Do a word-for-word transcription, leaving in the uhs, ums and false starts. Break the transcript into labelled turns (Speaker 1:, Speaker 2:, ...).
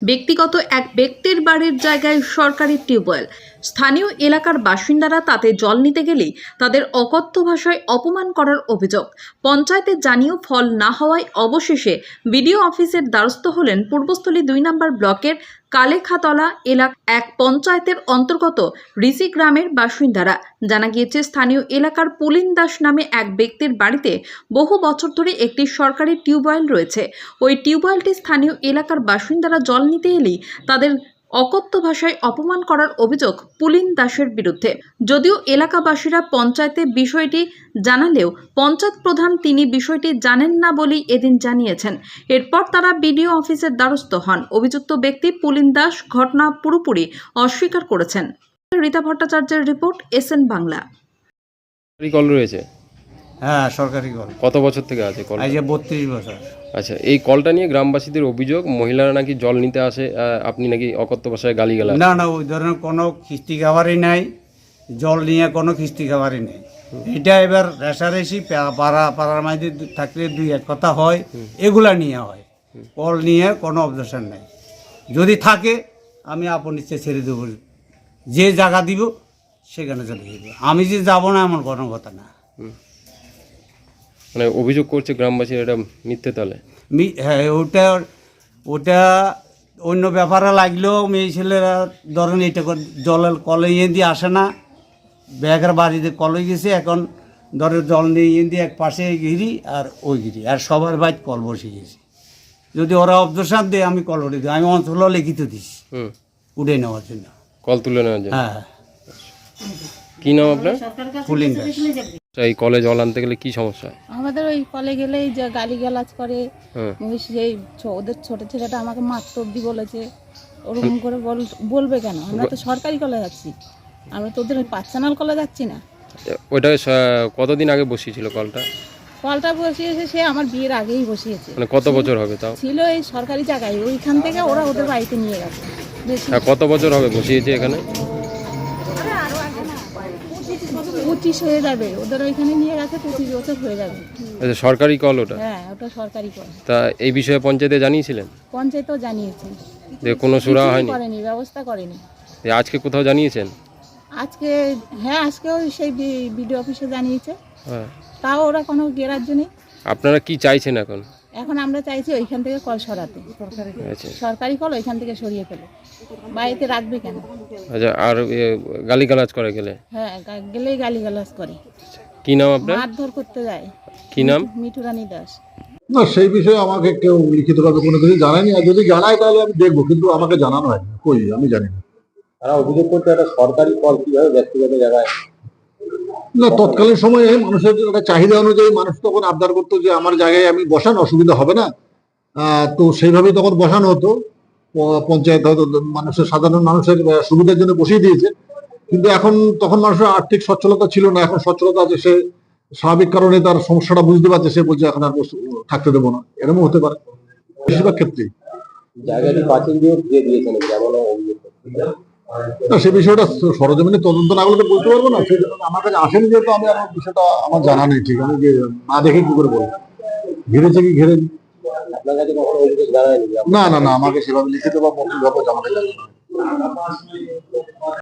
Speaker 1: ব্যক্তিগত এক ব্যক্তির বাড়ির জায়গায় সরকারি টিউবওয়েল। স্থানীয় এলাকার বাসিন্দারা তাতে জল নিতে গেলেই তাদের অকথ্য ভাষায় অপমান করার অভিযোগ। পঞ্চায়েতে জানিয়েও ফল না হওয়ায় অবশেষে বিডিও অফিসের দ্বারস্থ হলেন পূর্বস্থলী দুই নম্বর ব্লকের কালেখাতলা এলাকা এক পঞ্চায়েতের অন্তর্গত ঋষি গ্রামের বাসিন্দারা। জানা গিয়েছে, স্থানীয় এলাকার পুলিন দাস নামে এক ব্যক্তির বাড়িতে বহু বছর ধরে একটি সরকারি টিউবওয়েল রয়েছে। ওই টিউবওয়েলটি স্থানীয় এলাকার বাসিন্দারা জল নিতে এলেই তাদের অকথ্য ভাষায় অপমান করার অভিযোগ পুলিন দাসের বিরুদ্ধে। যদিও এলাকাবাসীরা পঞ্চায়েতে বিষয়টি জানালেও পঞ্চায়েত প্রধান তিনি বিষয়টি জানেন না বলেই এদিন জানিয়েছেন। এরপর তারা বিডিও অফিসের দ্বারস্থ হন। অভিযুক্ত ব্যক্তি পুলিন দাস ঘটনা পুরোপুরি অস্বীকার করেছেন। রীতা ভট্টাচার্যের রিপোর্ট, এসএন বাংলা।
Speaker 2: কল রয়েছে?
Speaker 3: হ্যাঁ, সরকারি কল।
Speaker 2: কত বছর থেকে আছে কল?
Speaker 3: আজ বত্রিশ বছর।
Speaker 2: আচ্ছা, এই কলটা নিয়ে গ্রামবাসীদের অভিযোগ মহিলারা নাকি জল নিতে আসে, আপনি নাকি অকথ্য ভাষায় গালিগালাজ।
Speaker 3: না না, ওই ধরনের কোনো খিস্তি খাবারই নাই, জল নিয়ে কোনো খিস্তি খাবারই নেই। এটা এবার রেশারেশি পাড়া পাড়ার মাঝে থাকলে দুই এক কথা হয়, এগুলা নিয়ে হয়। কল নিয়ে কোনো অবজেকশন নেই। যদি থাকে আমি আপন ইচ্ছে ছেড়ে দেবো, যে জায়গা দিব সেখানে চলে যাবে। আমি যে যাবো না এমন কোনো কথা না।
Speaker 2: মানে অভিযোগ করছে গ্রামবাসী এটা মিথ্যে তলে।
Speaker 3: হ্যাঁ, ওটা ওটা অন্য ব্যাপারে লাগলেও মেয়ে ছেলেরা ধরেন এটা জলের কলে ইয়ে দিয়ে আসে না, ব্যাগের বাড়িতে কলে গেছে, এখন ধরে জল নিয়ে ইয়ে দিয়ে এক পাশে গিরি আর ওই গিরি আর সবার বাইক কল বসে গেছে। যদি ওরা অবজেকশন দেয় আমি কল উঠে দিই, আমি অঞ্চল লিখিত দিস উঠে নেওয়ার জন্য,
Speaker 2: কল তুলে নেওয়ার জন্য।
Speaker 3: হ্যাঁ।
Speaker 2: কি নাম আপনার?
Speaker 3: পুলিন দাস।
Speaker 2: এই কলে জল আনতে গেলে কি সমস্যা?
Speaker 4: আমাদের ওই কলে গেলেই যে গালিগালাজ করে, সেই ওদের ছোট ছেলেটা আমাকে মারতে অব্দি বলেছে। ওরকম করে বলবে কেন? আমরা তো সরকারি কলে যাচ্ছি, আমরা তো ওদের পার্সোনাল কলে যাচ্ছি না।
Speaker 2: ওইটা কতদিন আগে বসিয়েছিল কলটা?
Speaker 4: কলটা বসিয়েছে সে আমার বিয়ের আগেই বসিয়েছে।
Speaker 2: মানে কত বছর হবে তাও?
Speaker 4: ছিল এই সরকারি জায়গায়, ওইখান থেকে ওরা ওদের বাড়িতে নিয়ে গেছে।
Speaker 2: কত বছর হবে বসিয়েছে এখানে?
Speaker 4: পঁচিশ হয়ে যাবে, ওদের ওইখানে নিয়ে গেছে, পঁচিশ বছর হয়ে যাবে।
Speaker 2: আচ্ছা, সরকারি কল ওটা?
Speaker 4: হ্যাঁ, ওটা সরকারি কল।
Speaker 2: তা এই বিষয়ে পঞ্চায়েতে জানিয়েছিলেন?
Speaker 4: পঞ্চায়েতও জানিয়েছেন,
Speaker 2: যে কোনো সুরা হয়নি,
Speaker 4: করেনি, ব্যবস্থা করেনি।
Speaker 2: আজকে কোথাও জানিয়েছেন?
Speaker 4: আজকে হ্যাঁ, আজকেও সেই বিডিও অফিসে জানিয়েছে,
Speaker 2: হ্যাঁ,
Speaker 4: তাও ওরা কোনো গ্রাহ্য নেই।
Speaker 2: আপনারা কি চাইছেন এখন?
Speaker 4: এখন আমরা চাইছি ওইখান থেকে কল সরাতে, সরকারি কল ওইখান থেকে সরিয়ে ফেলে। বাড়িতে রাখবে কেন?
Speaker 2: আচ্ছা, আর গালিগালাজ করে গেলে?
Speaker 4: হ্যাঁ, গেলেই গালিগালাজ করে।
Speaker 2: কি নাম আপনার?
Speaker 4: মারধর করতে যায়।
Speaker 2: কি নাম?
Speaker 4: মিঠু রানী দাস।
Speaker 5: না, সেই বিষয়ে আমাকে কেউ লিখিতভাবে কোনো কিছু জানায়নি, আর যদি জানায় তাহলে আমি দেখবো, কিন্তু আমাকে জানানো হয়নি। কই, আমি জানি না।
Speaker 6: তারা অভিযোগ করতে একটা সরকারি কল কিভাবে ব্যক্তিগত জায়গায়?
Speaker 5: না, তৎকালীন সময়ে মানুষের একটা চাহিদা অনুযায়ী মানুষ তখন আবদার করতো যে আমার জায়গায় আমি বসান, অসুবিধা হবে না, তো সেইভাবেই তখন বসানো হতো। পঞ্চায়েত হয়তো মানুষের, সাধারণ মানুষের সুবিধার জন্য বসিয়ে দিয়েছে। কিন্তু এখন তখন মানুষের আর্থিক সচ্ছলতা ছিল না, এখন সচ্ছলতা আছে, সে স্বাভাবিক কারণে তার সমস্যাটা বুঝতে পারছে, সে বলছে এখন আর থাকতে দেবো না। এরকম হতে পারে বেশিরভাগ ক্ষেত্রেই।
Speaker 6: জায়গাটি প্রাচীন দিয়ে দিয়ে দিয়েছেন যেমন অভিযোগ।
Speaker 5: না, সে বিষয়টা সরজমিনে তদন্ত না করলে তো বলতে পারবো না। সেই আমার কাছে আসেনি যেহেতু আমি আর বিষয়টা আমার জানা নেই ঠিক। আমি না দেখে কি করে বলবো, ঘিরেছে কি ঘিরেনি।
Speaker 6: আপনার কাছে কখনো অভিযোগ জানায়নি?
Speaker 5: না না না, আমাকে সেভাবে লিখিত বা মৌখিকভাবে জানাতে জানি না।